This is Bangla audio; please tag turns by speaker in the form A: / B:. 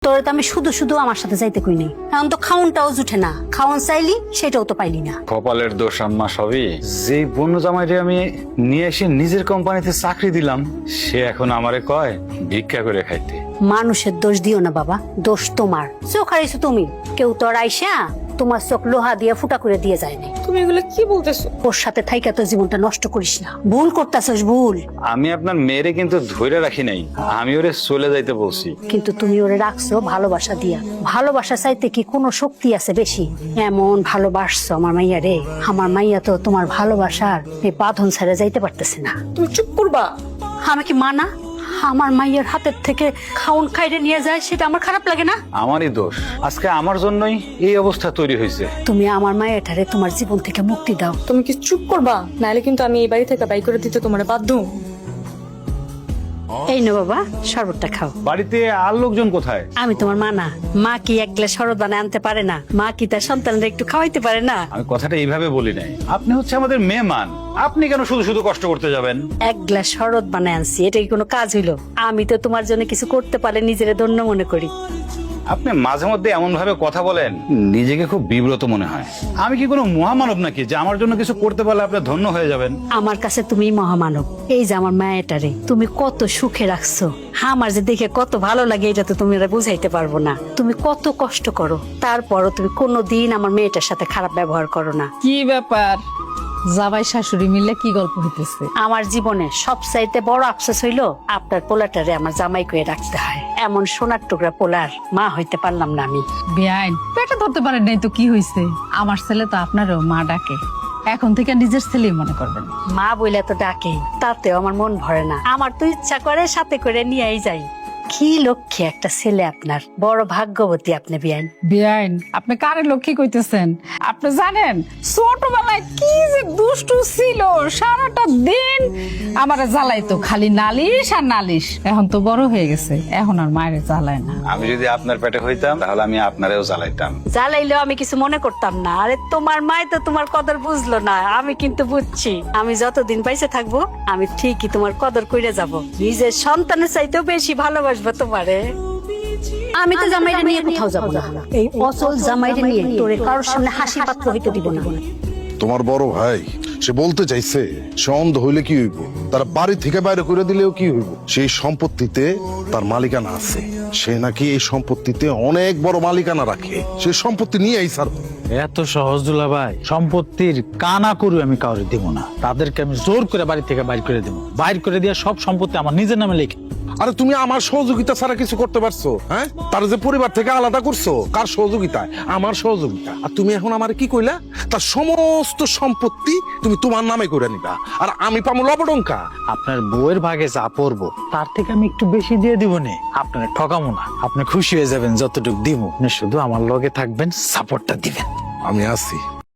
A: তোরে তো আমি শুধু শুধু আমার সাথে যাইতে কই নাই, এখন তো খাউনটাও জুটে না, খাওয়ান চাইলি সেটাও তো পাইলি না।
B: কপালের দোষ আম্মা সবই। যে বন্য জামাইরে আমি নিয়ে এসে নিজের কোম্পানিতে চাকরি দিলাম, সে এখন আমারে কয় ভিক্ষা করে খাইতে।
A: মানুষের দোষ দিও না বাবা, দোষ তোমার। চোখ হারাইছো তুমি, কেউ তো আর আইসা তোমার চোখ লোহা দিয়ে ফুটা করে দিয়ে যায় না।
C: তুমি এগুলো কি বলতেছো?
A: ওর সাথে থাইকা তোর জীবনটা নষ্ট করিস না, ভুল করতেছস ভুল।
B: আমি আপনার মেয়েরে কিন্তু ধইরা রাখি নাই, আমি ওরে চলে যাইতে বলছি।
A: কিন্তু তুমি ওরে রাখছো ভালোবাসা দিয়া। ভালোবাসা চাইতে কি কোনো শক্তি আছে বেশি? এমন ভালোবাসছো আমার মাইয়া রে, আমার মাইয়া তো তোমার ভালোবাসার এই বাঁধন ছেড়ে যাইতে পারতেছে না।
C: তুমি চুপ করবা।
A: আমি কি মানা আমার মাইয়ের হাতের থেকে খাউন খাইরে নিয়ে যায়, সেটা আমার খারাপ লাগে না?
B: আমারই দোষ, আজকে আমার জন্যই এই অবস্থা তৈরি হয়েছে।
A: তুমি আমার মায়েরটারে তোমার জীবন থেকে মুক্তি দাও।
C: তুমি কি চুপ করবা, নাহলে কিন্তু আমি এই বাড়ি থেকে বাই করে দিতে তোমার বাধ্য।
A: এই নো বাবা, শরবতটা খাও।
B: বাড়িতে আর লোকজন কোথায়?
A: আমি তোমার মা না? মা কি এক গ্লাস শরবত বানায় আনতে পারে না? মা কি তার সন্তানদের একটু খাওয়াইতে পারে না?
B: আমি কথাটা এইভাবে বলি নাই। আপনি হচ্ছে আমাদের মেহমান, আপনি কেন শুধু শুধু কষ্ট করতে যাবেন?
A: এক গ্লাস শরবত বানায় আনছি, এটা কি কোনো কাজ হইলো? আমি তো তোমার জন্য কিছু করতে পারলে নিজেরে ধন্য মনে করি।
B: আপনি মাঝে মধ্যে এমন ভাবে কথা বলেন, নিজেকে খুব বিব্রত মনে হয়। আমি কি কোনো মহামানব নাকি যে আমার জন্য কিছু করতে পারলে আপনি ধন্য হয়ে যাবেন?
A: আমার কাছে তুমি মহামানব। এই যে আমার মায়েটারে তুমি কত সুখে রাখছো, আমার যে দেখে কত ভালো লাগে, এটা তো তুমি বুঝাইতে পারবো না। তুমি কত কষ্ট করো, তারপরও তুমি কোনোদিন আমার মেয়েটার সাথে খারাপ ব্যবহার করো না।
D: কি ব্যাপার, জামাই শাশুড়ি মিলে কি গল্প হইতেছে?
A: আমার জীবনে সবচাইতে বড় আফসোস হইলো আপনার পোলাটারে আমার জামাই করে রাখতে হয়। এমন সোনার টুকরা পোলার মা হইতে পারলাম না আমি।
D: বেআইন পেটে ধরতে পারেন নাই তো কি হয়েছে? আমার ছেলে তো আপনারও মা ডাকে, এখন থেকে নিজের ছেলেই মনে করবেন।
A: মা বইলে তো ডাকেই, তাতেও আমার মন ভরে না। আমার তো ইচ্ছা করে সাথে করে নিয়েই যাই। কি লক্ষ্যে একটা ছেলে আপনার, বড় ভাগ্যবতী আপনি বিয়ান।
D: বেআইন আপনি কারে লক্ষ্মী কইতেছেন? আপনি জানেন ছোটবেলায় কি যে দুষ্টু ছিল, সারাটা দিন আমারে জ্বালাইতো, খালি নালিশ আর নালিশ। এখন তো বড় হয়ে গেছে, এখন আর মায়ের জ্বালায় না।
B: আমি যদি আপনার পেটে হইতাম তাহলে আমি আপনারেও জ্বালাইতাম।
A: জ্বালাইলেও আমি কিছু মনে করতাম না। আরে তোমার মাই তো তোমার কদর বুঝলো না, আমি কিন্তু বুঝছি। আমি যতদিন পাইছে থাকবো, আমি ঠিকই তোমার কদর কইরে যাব। নিজের সন্তানের চাইতেও বেশি ভালোবাসবো তোমারে। আমি তো জামাইরে নিয়ে কোথাও যাব না। এই অচল জামাইরে নিয়ে তোরে কারোর সামনে হাসি পাত্র হইতে দিব না।
E: তোমার বড় ভাই সে বলতে চাইছে, সে অন্ধ হইলে কি হইব, তার বাড়ি থেকে বাইরে করে দিলেও কি হইব? সেই সম্পত্তিতে তার মালিকানা আছে, সে নাকি এই সম্পত্তিতে অনেক বড় মালিকানা রাখে। সে সম্পত্তি নিয়ে এই স্যার।
F: এত সহজ দুলাভাই, সম্পত্তির কানা করু আমি কাউরে দিব না। তাদেরকে আমি জোর করে বাড়ি থেকে বাইর করে দেবো। বাইর করে দিয়ে সব সম্পত্তি আমার নিজের নামে লিখে।
E: আরে তুমি আমার সহযোগিতা ছাড়া কিছু করতে পারছো? হ্যাঁ, তার যে পরিবার থেকে আলাদা করছো, কার সহযোগিতায়? আমার সহযোগিতা। আর তুমি এখন আমার কি কইলা? তার সমস্ত সম্পত্তি তুমি তোমার নামে করে নিবা, আর আমি পাবো লবডঙ্কা।
F: আপনার বউয়ের ভাগে যা পড়বো তার থেকে আমি একটু বেশি দিয়ে দিব নে। আপনার ঠকামো না, আপনি খুশি হয়ে যাবেন যতটুকু দিব। আপনি শুধু আমার লগে থাকবেন, সাপোর্টটা দিবেন।
E: আমি আছি।